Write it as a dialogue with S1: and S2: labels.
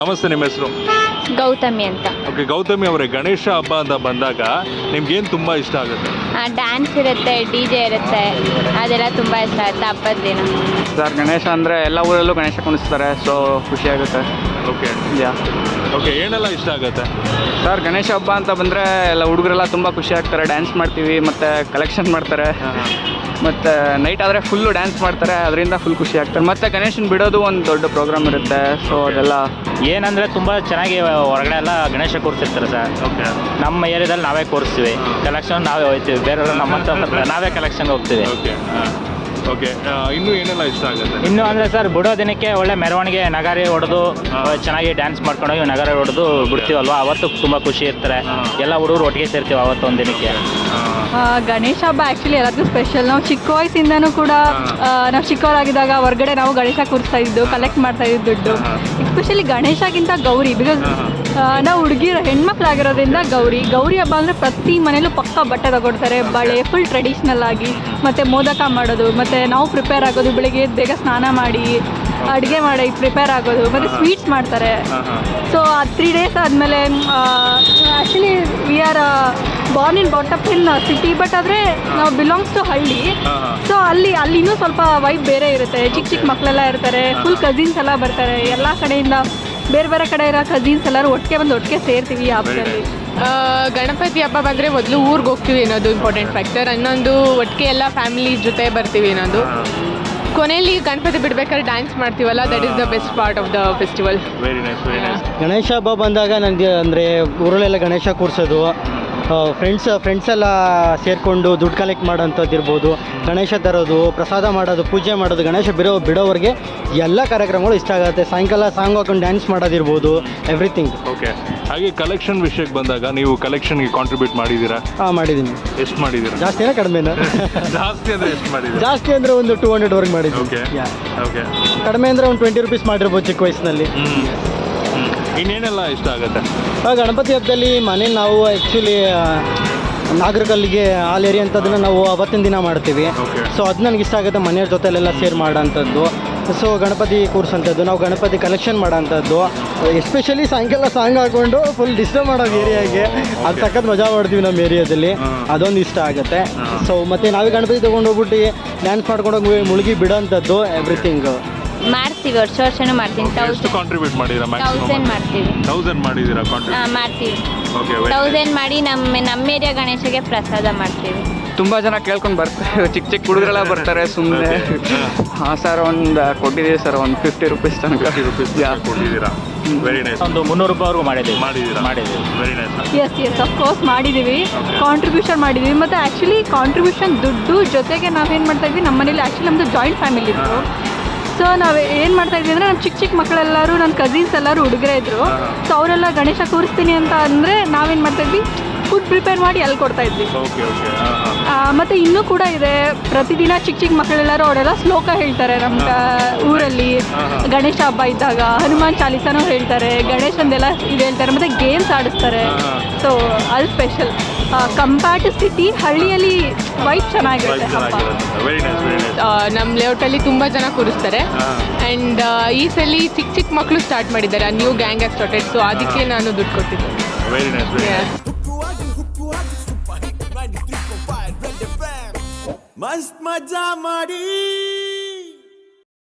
S1: ನಮಸ್ತೆ, ನಿಮ್ಮ ಹೆಸರು?
S2: ಗೌತಮಿ ಅಂತ.
S1: ಓಕೆ, ಗೌತಮಿ ಅವರೇ, ಗಣೇಶ ಹಬ್ಬ ಅಂತ ಬಂದಾಗ ನಿಮ್ಗೇನು ತುಂಬ ಇಷ್ಟ ಆಗುತ್ತೆ?
S2: ಡ್ಯಾನ್ಸ್ ಇರುತ್ತೆ, DJ ಇರುತ್ತೆ, ಅದೆಲ್ಲ ತುಂಬ ಇಷ್ಟ ಆಗುತ್ತೆ ಹಬ್ಬದ ದಿನ.
S3: ಸರ್, ಗಣೇಶ ಅಂದರೆ ಎಲ್ಲ ಊರಲ್ಲೂ ಗಣೇಶ ಕುಣಿಸ್ತಾರೆ, ಸೊ ಖುಷಿ ಆಗುತ್ತೆ.
S1: ಓಕೆ ಓಕೆ, ಏನೆಲ್ಲ ಇಷ್ಟ ಆಗುತ್ತೆ
S3: ಸರ್? ಗಣೇಶ ಹಬ್ಬ ಅಂತ ಬಂದರೆ ಎಲ್ಲ ಹುಡುಗರೆಲ್ಲ ತುಂಬ ಖುಷಿ ಆಗ್ತಾರೆ, ಡ್ಯಾನ್ಸ್ ಮಾಡ್ತೀವಿ, ಮತ್ತು ಕಲೆಕ್ಷನ್ ಮಾಡ್ತಾರೆ, ಮತ್ತು ನೈಟ್ ಆದರೆ ಫುಲ್ಲು ಡ್ಯಾನ್ಸ್ ಮಾಡ್ತಾರೆ, ಅದರಿಂದ ಫುಲ್ ಖುಷಿ ಆಗ್ತಾರೆ. ಮತ್ತು ಗಣೇಶನ ಬಿಡೋದು ಒಂದು ದೊಡ್ಡ ಪ್ರೋಗ್ರಾಮ್ ಇರುತ್ತೆ, ಸೊ ಅದೆಲ್ಲ
S4: ಏನಂದರೆ ತುಂಬ ಚೆನ್ನಾಗಿ ಹೊರಗಡೆ ಎಲ್ಲ ಗಣೇಶ ಕೂರಿಸಿರ್ತಾರೆ ಸರ್.
S1: ಓಕೆ,
S4: ನಮ್ಮ ಏರಿಯಾದಲ್ಲಿ ನಾವೇ ಕೂರಿಸ್ತೀವಿ, ಕಲೆಕ್ಷನ್ ನಾವೇ ಹೋಗ್ತೀವಿ, ಬೇರೆಯವರು ನಮ್ಮಂತ ನಾವೇ ಕಲೆಕ್ಷನ್ಗೆ ಹೋಗ್ತೀವಿ.
S1: ಓಕೆ ಓಕೆ, ಇನ್ನೂ ಏನೆಲ್ಲ ಇಷ್ಟ ಆಗುತ್ತೆ?
S4: ಇನ್ನು ಅಂದರೆ ಸರ್, ಬಿಡೋ ದಿನಕ್ಕೆ ಒಳ್ಳೆ ಮೆರವಣಿಗೆ ನಗಾರಿ ಹೊಡೆದು ಚೆನ್ನಾಗಿ ಡ್ಯಾನ್ಸ್ ಮಾಡ್ಕೊಂಡೋಗಿ ನಗಾರಿ ಹೊಡೆದು ಬಿಡ್ತೀವಲ್ವ, ಅವತ್ತು ತುಂಬ ಖುಷಿ ಇರ್ತಾರೆ. ಎಲ್ಲ ಹುಡುಗರು ಒಟ್ಟಿಗೆ ಸೇರ್ತೀವಿ ಅವತ್ತು ಒಂದು ದಿನಕ್ಕೆ.
S5: ಗಣೇಶ ಹಬ್ಬ ಆ್ಯಕ್ಚುಲಿ ಎಲ್ಲದಕ್ಕೂ ಸ್ಪೆಷಲ್. ನಾವು ಚಿಕ್ಕ ವಯಸ್ಸಿಂದನೂ ಕೂಡ ನಾವು ಚಿಕ್ಕವರಾಗಿದ್ದಾಗ ಹೊರಗಡೆ ನಾವು ಗಣೇಶ ಕೂರಿಸ್ತಾ ಇದ್ದು, ಕಲೆಕ್ಟ್ ಮಾಡ್ತಾ ಇದ್ದು ದುಡ್ಡು. ಎಸ್ಪೆಷಲಿ ಗಣೇಶಗಿಂತ ಗೌರಿ, ಬಿಕಾಸ್ ನಾವು ಹುಡುಗಿರು ಹೆಣ್ಮಕ್ಳಾಗಿರೋದ್ರಿಂದ ಗೌರಿ ಹಬ್ಬ ಅಂದರೆ ಪ್ರತಿ ಮನೇಲೂ ಪಕ್ಕ ಬಟ್ಟೆ ತಗೊಡ್ತಾರೆ, ಬಳೆ ಫುಲ್ ಟ್ರೆಡಿಷ್ನಲ್ ಆಗಿ, ಮತ್ತು ಮೋದಕ ಮಾಡೋದು, ಮತ್ತು ನಾವು ಪ್ರಿಪೇರ್ ಆಗೋದು, ಬೆಳಿಗ್ಗೆ ಬೇಗ ಸ್ನಾನ ಮಾಡಿ ಅಡುಗೆ ಮಾಡಿ ಪ್ರಿಪೇರ್ ಆಗೋದು, ಮತ್ತು ಸ್ವೀಟ್ಸ್ ಮಾಡ್ತಾರೆ. ಸೊ 3 days ಆದಮೇಲೆ actually we are born in ಬಾಟಪ್ ಇನ್ ಸಿಟಿ, ಬಟ್ ಆದರೆ ನಾವು ಬಿಲಾಂಗ್ಸ್ ಟು ಹಳ್ಳಿ. ಸೊ ಅಲ್ಲಿ ಇನ್ನೂ ಸ್ವಲ್ಪ ವೈಬ್ ಬೇರೆ ಇರುತ್ತೆ. ಚಿಕ್ಕ ಮಕ್ಕಳೆಲ್ಲ ಇರ್ತಾರೆ, ಫುಲ್ ಕಸಿನ್ಸ್ ಎಲ್ಲ ಬರ್ತಾರೆ, ಎಲ್ಲ ಕಡೆಯಿಂದ ಬೇರೆ ಕಡೆ ಇರೋ ಕಸಿನ್ಸ್ ಎಲ್ಲರೂ ಒಟ್ಟಿಗೆ ಸೇರ್ತೀವಿ ಈ ಹಬ್ಬದಲ್ಲಿ.
S6: ಗಣಪತಿ ಹಬ್ಬ ಬಂದರೆ ಮೊದಲು ಊರಿಗೆ ಹೋಗ್ತೀವಿ ಅನ್ನೋದು ಇಂಪಾರ್ಟೆಂಟ್ ಫ್ಯಾಕ್ಟರ್. ಇನ್ನೊಂದು ಒಟ್ಟಿಗೆ ಎಲ್ಲ ಫ್ಯಾಮಿಲಿ ಜೊತೆ ಬರ್ತೀವಿ ಅನ್ನೋದು. ಕೊನೆಯಲ್ಲಿ ಗಣಪತಿ ಬಿಡ್ಬೇಕಾದ್ರೆ ಡ್ಯಾನ್ಸ್ ಮಾಡ್ತೀವಲ್ಲ, that is the best part of the festival.
S1: Very nice, very nice.
S7: Ganesha ಹಬ್ಬ ಬಂದಾಗ ನನಗೆ ಅಂದರೆ ಊರಲ್ಲೆಲ್ಲ ಗಣೇಶ ಕೂರಿಸೋದು, ಫ್ರೆಂಡ್ಸ್ ಎಲ್ಲ ಸೇರಿಕೊಂಡು ದುಡ್ಡು ಕಲೆಕ್ಟ್ ಮಾಡೋಂಥದ್ದು ಇರ್ಬೋದು, ಗಣೇಶ ತರೋದು, ಪ್ರಸಾದ ಮಾಡೋದು, ಪೂಜೆ ಮಾಡೋದು, ಗಣೇಶ ಬಿಡೋವರೆಗೆ ಎಲ್ಲ ಕಾರ್ಯಕ್ರಮಗಳು ಇಷ್ಟ ಆಗುತ್ತೆ. ಸಾಯಂಕಾಲ ಸಾಂಗ್ ಹಾಕೊಂಡು ಡ್ಯಾನ್ಸ್ ಮಾಡೋದಿರ್ಬೋದು, ಎವ್ರಿಥಿಂಗ್.
S1: ಓಕೆ, ಹಾಗೆ ಕಲೆಕ್ಷನ್ ವಿಷಯಕ್ಕೆ ಬಂದಾಗ ನೀವು ಕಲೆಕ್ಷನ್ಗೆ ಕಾಂಟ್ರಿಬ್ಯೂಟ್ ಮಾಡಿದ್ದೀರಾ?
S7: ಹಾಂ, ಮಾಡಿದ್ದೀನಿ.
S1: ಎಷ್ಟು ಮಾಡಿದ್ದೀರಾ?
S7: ಜಾಸ್ತಿನೇ ಕಡಿಮೆನಾ?
S1: ಜಾಸ್ತಿ ಅಂದರೆ ಎಷ್ಟು ಮಾಡಿದ್ದೀರಾ?
S7: ಜಾಸ್ತಿ ಅಂದರೆ ಒಂದು 200ವರೆಗೆ ಮಾಡಿದ್ದೀನಿ.
S1: ಓಕೆ ಓಕೆ,
S7: ಕಡಿಮೆ ಅಂದರೆ ಒಂದು 20 ರೂಪೀಸ್ ಮಾಡಿರ್ಬೋದು ಚಿಕ್ಕ ವಯಸ್ಸಿನಲ್ಲಿ.
S1: ಇನ್ನೇನೆಲ್ಲ ಇಷ್ಟ ಆಗುತ್ತೆ?
S7: ಗಣಪತಿ ಹಬ್ಬದಲ್ಲಿ ಮನೇಲಿ ನಾವು ಆ್ಯಕ್ಚುಲಿ ನಾಗರಕಲ್ಲಿಗೆ ಹಾಲೇರಿ ಅಂಥದ್ದನ್ನು ನಾವು ಅವತ್ತಿನ ದಿನ ಮಾಡ್ತೀವಿ. ಸೊ ಅದು ನನಗೆ ಇಷ್ಟ ಆಗುತ್ತೆ, ಮನೆಯವ್ರ ಜೊತೆಲೆಲ್ಲ ಸೇರ್ ಮಾಡೋಂಥದ್ದು. ಸೊ ಗಣಪತಿ ಕೂರಿಸೋಂಥದ್ದು, ನಾವು ಗಣಪತಿ ಕಲೆಕ್ಷನ್ ಮಾಡೋಂಥದ್ದು, ಎಸ್ಪೆಷಲಿ ಸಾಯಂಕಾಲ ಸಾಂಗ್ ಹಾಕ್ಕೊಂಡು ಫುಲ್ ಡಿಸ್ಟರ್ಬ್ ಮಾಡೋದು ಏರಿಯಾಗೆ, ಅದು ಸಖತ್ ಮಜಾ ಮಾಡ್ತೀವಿ ನಮ್ಮ ಏರಿಯಾದಲ್ಲಿ, ಅದೊಂದು ಇಷ್ಟ ಆಗುತ್ತೆ. ಸೊ ಮತ್ತು ನಾವೇ ಗಣಪತಿ ತೊಗೊಂಡು ಹೋಗ್ಬಿಟ್ಟು ಡ್ಯಾನ್ಸ್ ಮಾಡ್ಕೊಂಡೋಗಿ ಮುಳುಗಿ ಬಿಡೋಂಥದ್ದು, ಎವ್ರಿಥಿಂಗ್
S2: ಮಾಡ್ತೀವಿ, ವರ್ಷನೂ ಮಾಡ್ತೀನಿ.
S1: ಎಷ್ಟು ಕಾಂಟ್ರಿಬ್ಯೂಟ್ ಮಾಡಿದ್ದೀರಾ?
S2: 1000 ಮಾಡ್ತೀವಿ.
S1: 1000 ಮಾಡಿದ್ದೀರಾ ಕಾಂಟ್ರಿಬ್ಯೂಟ್?
S2: ಮಾಡ್ತೀವಿ.
S1: ಓಕೆ,
S2: 1000 ಮಾಡಿ ನಮ್ಮ ಏರಿಯಾ ಗಣೇಶಗೆ ಪ್ರಸಾದ ಮಾಡ್ತೀವಿ.
S3: ತುಂಬ ಜನ ಕೇಳ್ಕೊಂಡು ಬರ್ತಾರೆ, ಚಿಕ್ಕ ಹುಡುಗರೆಲ್ಲ ಬರ್ತಾರೆ ಸುಮ್ಮನೆ. ಹಾಂ ಸರ್, ಒಂದು ಕೊಟ್ಟಿದ್ದೀವಿ ಸರ್, ಒಂದು 50 ರೂಪೀಸ್ ತನಕ.
S1: 50 ರೂಪೀಸ್ ಕೊಟ್ಟಿದ್ದೀರಾ? Very nice.
S4: ಒಂದು 300 ರೂಪಾಯಿವರೆಗೂ ಮಾಡಿದ್ದೀವಿ.
S1: Very nice.
S5: ಎಸ್ ಅಫ್ಕೋರ್ಸ್ ಮಾಡಿದ್ದೀವಿ, ಕಾಂಟ್ರಿಬ್ಯೂಷನ್ ಮಾಡಿದ್ದೀವಿ. ಮತ್ತು ಆ್ಯಕ್ಚುಲಿ ಕಾಂಟ್ರಿಬ್ಯೂಷನ್ ದುಡ್ಡು ಜೊತೆಗೆ ನಾವೇನು ಮಾಡ್ತಾಯಿದ್ವಿ, ನಮ್ಮ ಮನೇಲಿ ಆ್ಯಕ್ಚುಲಿ ನಮ್ಮದು ಜಾಯಿಂಟ್ ಫ್ಯಾಮಿಲಿ ಇತ್ತು. ಸೊ ನಾವು ಏನು ಮಾಡ್ತಾಯಿದ್ವಿ ಅಂದರೆ, ನಮ್ಮ ಚಿಕ್ಕ ಮಕ್ಕಳೆಲ್ಲರೂ, ನನ್ನ ಕಸಿನ್ಸ್ ಎಲ್ಲರೂ ಹುಡುಗರೇ ಇದ್ದರು. ಸೊ ಅವರೆಲ್ಲ ಗಣೇಶ ಕೂರಿಸ್ತೀನಿ ಅಂತ ಅಂದರೆ ನಾವೇನು ಮಾಡ್ತಾಯಿದ್ವಿ, ಫುಡ್ ಪ್ರಿಪೇರ್ ಮಾಡಿ ಅಲ್ಲಿ ಕೊಡ್ತಾಯಿದ್ವಿ. ಮತ್ತು ಇನ್ನೂ ಕೂಡ ಇದೆ, ಪ್ರತಿದಿನ ಚಿಕ್ಕ ಮಕ್ಕಳೆಲ್ಲರೂ ಅವರೆಲ್ಲ ಶ್ಲೋಕ ಹೇಳ್ತಾರೆ ನಮ್ಮ ಊರಲ್ಲಿ. ಗಣೇಶ ಹಬ್ಬ ಇದ್ದಾಗ ಹನುಮಾನ್ ಚಾಲೀಸನೂ ಹೇಳ್ತಾರೆ, ಗಣೇಶಂದೆಲ್ಲ ಇದು ಹೇಳ್ತಾರೆ, ಮತ್ತು ಗೇಮ್ಸ್ ಆಡಿಸ್ತಾರೆ. ಸೊ ಅದು ಸ್ಪೆಷಲ್. ಕಂಪೇರ್ ಟು ಸಿಟಿ, ಹಳ್ಳಿಯಲ್ಲಿ ವೈಬ್ ಚೆನ್ನಾಗಿರುತ್ತೆ ಹಬ್ಬ.
S6: ನಮ್ಮ ಲೇಔಟಲ್ಲಿ ತುಂಬ ಜನ ಕೂರಿಸ್ತಾರೆ. ಆ್ಯಂಡ್ ಈ ಸಲ ಚಿಕ್ಕ ಮಕ್ಕಳು ಸ್ಟಾರ್ಟ್ ಮಾಡಿದ್ದಾರೆ, ನ್ಯೂ ಗ್ಯಾಂಗ್ ಆಗಿ ಸ್ಟಾರ್ಟೆಡ್. ಸೊ ಅದಕ್ಕೆ ನಾನು ದುಡ್ಡು ಕೊಟ್ಟಿದ್ದೆ.
S1: Very nice.
S8: ಮಸ್ತ್ ಮಜಾ ಮಾಡಿ.